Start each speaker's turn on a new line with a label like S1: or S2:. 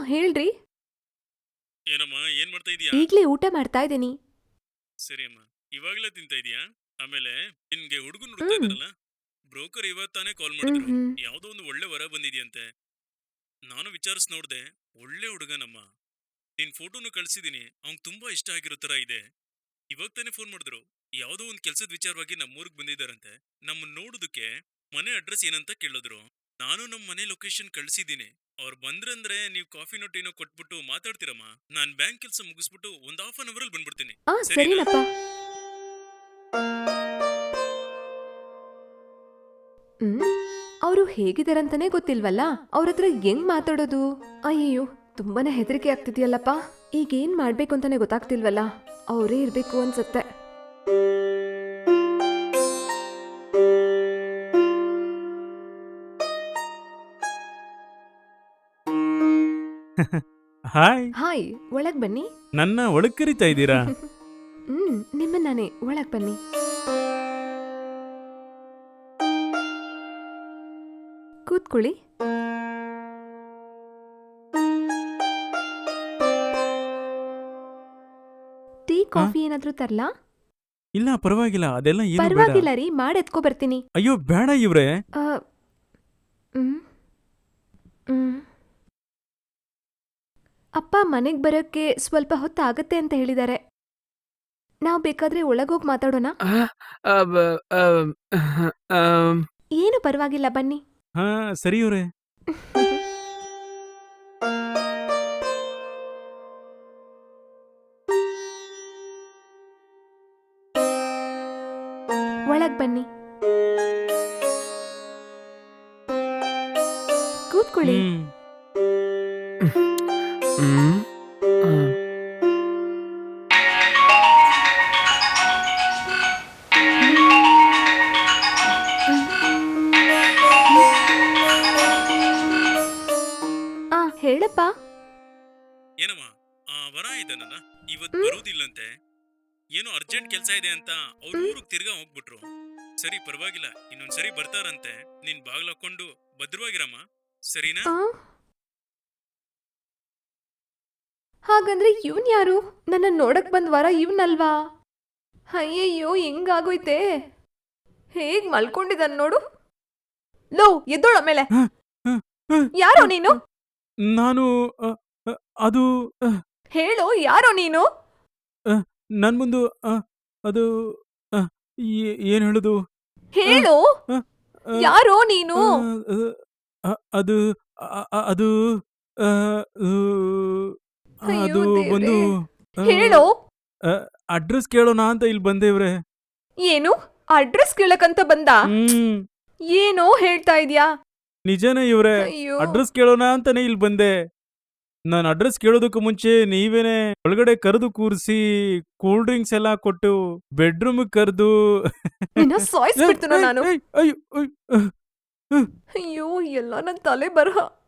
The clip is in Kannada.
S1: ಹೇಳ್ರಿ.
S2: ಏನಮ್ಮ ಏನ್ ಮಾಡ್ತಾ ಇದೀಯಾ?
S1: ಈಗ್ಲೇ ಊಟ ಮಾಡ್ತಾ ಇದ್ದೀನಿ.
S2: ಸರಿ ಅಮ್ಮ. ಇವಾಗ್ಲೇ ತಿಂತಾ ಇದೀಯಾ? ಆಮೇಲೆ ನಿನ್ಗೆ ಹುಡುಗನ್ ಹುಡುಕ್ತಾ
S1: ಹ್ಮ್
S2: ಇದಾರಲ್ಲ, ಬ್ರೋಕರ್ ಇವತ್ತಾನೆ ಕಾಲ್
S1: ಹ್ಮ್
S2: ಮಾಡಿದ್ರು.
S1: ಹ್ಮ್
S2: ಯಾವ್ದೋ ಒಂದು ಒಳ್ಳೆ ವರ ಬಂದಿದ್ಯಂತೆ. ನಾನು ವಿಚಾರಿಸ್ ನೋಡ್ದೆ. ಒಳ್ಳೆ ಹುಡುಗನಮ್ಮ. ನಿನ್ ಫೋಟೋನು ಕಳ್ಸಿದೀನಿ. ಅವ್ನ್ ತುಂಬಾ ಇಷ್ಟ ಆಗಿರೋ ತರ ಇದೆ. ಇವಾಗ ತಾನೇ ಫೋನ್ ಮಾಡಿದ್ರು. ಯಾವ್ದೋ ಒಂದ್ ಕೆಲ್ಸದ ವಿಚಾರವಾಗಿ ನಮ್ಮೂರ್ಗ್ ಬಂದಿದ್ದಾರಂತೆ. ನಮ್ಮನ್ ನೋಡೋದಕ್ಕೆ ಮನೆ ಅಡ್ರೆಸ್ ಏನಂತ ಕೇಳಿದ್ರು. ನಾನು ನಮ್ ಮನೆ ಲೊಕೇಶನ್ ಕಳ್ಸಿದೀನಿ. ಅವ್ರು ಬಂದ್ರಂದ್ರೆ ನೀವು ಕಾಫಿನೋ ಟೀನೋ ಕೊಟ್ಬಿಟ್ಟು ಮಾತಾಡ್ತೀರಮ್ಮ. ನಾನ್ ಬ್ಯಾಂಕ್ ಕೆಲ್ಸ ಮುಗಿಸ್ಬಿಟ್ಟು ಒಂದ್ ಹಾಫ್ ಅನ್ ಅವರ್ ಅಲ್ಲಿ ಬಂದ್ಬಿಡ್ತೀನಿ. ಸರಿನಾ?
S1: ಸರಿನಪ್ಪ. ಹ್ಮ್ ಅವರು ಹೇಗಿದಾರಂತಾನೆ ಗೊತ್ತಿಲ್ವಲ್ಲ, ಅವ್ರ ಹತ್ರ ಹೆಂಗ್ ಮಾತಾಡೋದು? ಅಯ್ಯಯ್ಯೋ, ತುಂಬಾನೇ ಹೆದರಿಕೆ ಆಗ್ತಿದ್ಯಲ್ಲಪ್ಪ. ಈಗ ಏನ್ ಮಾಡ್ಬೇಕು ಅಂತಾನೆ ಗೊತ್ತಾಗ್ತಿಲ್ವಲ್ಲ. ಅವರೇ ಇರ್ಬೇಕು ಅನ್ಸತ್ತೆ.
S3: ಹಾಯ್.
S1: ಹಾಯ್, ಒಳಗ್ ಬನ್ನಿ.
S3: ನನ್ನ ಒಳಗ್ ಕರಿತಾ ಇದ್ದೀರಾ?
S1: ನಿಮ್ಮನ್ನಾನೆ, ಒಳಗ್ ಬನ್ನಿ. ಕೂತ್ಕೊಳ್ಳಿ. ಟೀ ಕಾಫಿ ಏನಾದ್ರೂ ತರ್ಲಾ?
S3: ಇಲ್ಲ ಪರವಾಗಿಲ್ಲ, ಅದೆಲ್ಲ ಏನು ಬೇಡ.
S1: ಪರವಾಗಿಲ್ಲ ರೀ, ಎತ್ಕೊ ಬರ್ತೀನಿ.
S3: ಅಯ್ಯೋ ಬೇಡ ಇವ್ರೆ.
S1: ಆ, ಹ್ಮ್, ಹ್ಮ್. ಅಪ್ಪ ಮನೆಗ್ ಬರೋಕ್ಕೆ ಸ್ವಲ್ಪ ಹೊತ್ತಾಗತ್ತೆ ಅಂತ ಹೇಳಿದ್ದಾರೆ. ನಾವ್ ಬೇಕಾದ್ರೆ ಒಳಗೋಗ್ ಮಾತಾಡೋಣ.
S4: ಅಬ್ ಅಮ್ ಅಮ್
S1: ಏನು ಪರವಾಗಿಲ್ಲ, ಬನ್ನಿ.
S3: ಹಾ ಸರಿ ಇವ್ರೆ.
S1: ಒಳಗ್ ಬನ್ನಿ, ಕೂತ್ಕೊಳ್ಳಿ.
S4: ಹ್ಮ್ ಅಮ್
S1: ಹೇಳಪ್ಪ.
S2: ಏನಮ್ಮ, ಆ ವರ ಇದ್ದಾನಲ್ಲ, ಇವತ್
S1: ಹ್ಮ್.
S2: ಬರೋದಿಲ್ಲಂತೆ. ಏನೋ ಅರ್ಜೆಂಟ್ ಕೆಲ್ಸ ಇದೆ ಅಂತ ಅವ್ರ ಊರಿಗೆ ತಿರ್ಗಾ ಹೋಗ್ಬಿಟ್ರು. ಸರಿ ಪರವಾಗಿಲ್ಲ, ಇನ್ನೊಂದ್ಸರಿ ಬರ್ತಾರಂತೆ. ನೀನ್ ಬಾಗ್ಲ ಹಾಕೊಂಡು ಭದ್ರವಾಗಿರಮ್ಮ. ಸರಿನಾ?
S1: ಆ? ಹಾಗಂದ್ರೆ ಇವನ್ ಯಾರು? ನನ್ನ ನೋಡಕ್ ಬಂದ್ ವರ ಇವನಲ್ವಾ? ಅಯ್ಯಯ್ಯೋ, ಹೆಂಗಾಗೋಯ್ತೆ? ಹೇಗ್ ಮಲ್ಕೊಂಡಿದ್ದಾನ್ ನೋಡು. ಲೋ, ಎದ್ದೋಳ ಮೇಲೆ. ಯಾರೋ ನೀನು?
S3: ನಾನು ಅದು
S1: ಹೇಳೋ, ಯಾರೋ ನೀನು?
S3: ನನ್ ಮುಂದು ಅದು ಏನ್ ಹೇಳುದು?
S1: ಹೇಳು,
S3: ಆ, ಆ,
S1: ಯಾರೋ ನೀನು?
S3: ಅದು ಅದು ಆ, ಉ,
S1: ಅಯ್ಯೋ
S3: ಅದು ಒಂದು
S1: ದೇವ್ರೇ. ಹೇಳು.
S3: ಅಡ್ರೆಸ್ ಕೇಳೋಣ ಅಂತ ಇಲ್ಲಿ ಬಂದೇವ್ರೆ.
S1: ಏನು? ಅಡ್ರೆಸ್ ಕೇಳಕಂತ ಬಂದ? ಏನೋ ಹೇಳ್ತಾ ಇದ್ಯಾ?
S3: ನಿಜನೇ ಇವ್ರೆ,
S1: ಅಯ್ಯೋ.
S3: ಅಡ್ರೆಸ್ ಕೇಳೋಣ ಅಂತಾನೆ ಇಲ್ಲಿ ಬಂದೆ. ನಾನು ಅಡ್ರೆಸ್ ಕೇಳೋದಕ್ಕೂ ಮುಂಚೆ ನೀವೇನೆ ಒಳಗಡೆ ಕರೆದು ಕೂರಿಸಿ ಕೂಲ್ ಡ್ರಿಂಕ್ಸ್ ಎಲ್ಲ ಕೊಟ್ಟು ಬೆಡ್ರೂಮ್ ಕರೆದು
S1: ನಿನ್ನ ಸಾಯಿಸ್ಬಿಡ್ತೀನೋ ನಾನು.
S3: ಅಯ್ಯೋ
S1: ಅಯ್ಯೋ, ಎಲ್ಲ ನನ್ ತಲೆ ಬರಹ.